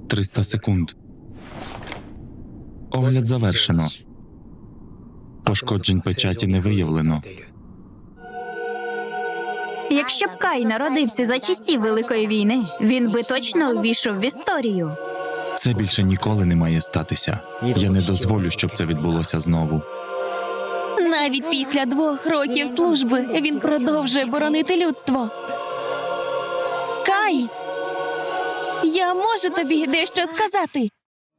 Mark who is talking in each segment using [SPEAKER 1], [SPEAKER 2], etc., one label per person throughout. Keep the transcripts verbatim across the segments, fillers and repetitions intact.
[SPEAKER 1] триста секунд. Огляд завершено. Пошкоджень печаті не виявлено.
[SPEAKER 2] Якщо б Кай народився за часів Великої війни, він би точно увійшов в історію.
[SPEAKER 1] Це більше ніколи не має статися. Я не дозволю, щоб це відбулося знову.
[SPEAKER 3] Навіть після двох років служби він продовжує боронити людство. Кай! Я можу тобі дещо сказати.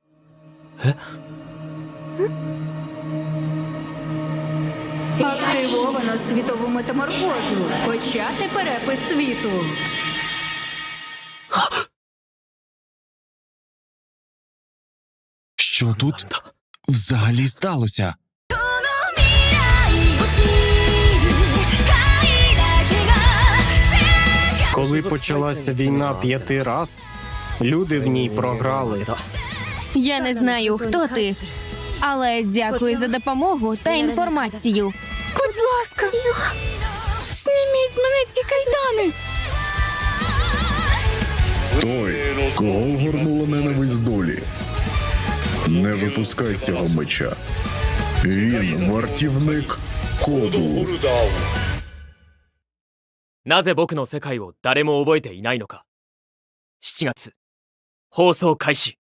[SPEAKER 2] Активовано світову метаморфозу. Почати перепис світу.
[SPEAKER 1] Що тут взагалі сталося?
[SPEAKER 4] Коли почалася війна п'яти раз, люди в ній програли.
[SPEAKER 3] Я не знаю, хто ти, але дякую за допомогу та інформацію.
[SPEAKER 5] Будь ласка, зніміть з мене ці кайдани.
[SPEAKER 6] Той, кого огорнула ненависть долі. Не випускай цього меча. Він вартівник коду.
[SPEAKER 7] なぜ僕の世界を誰も覚えていないのか。しちがつ放送開始。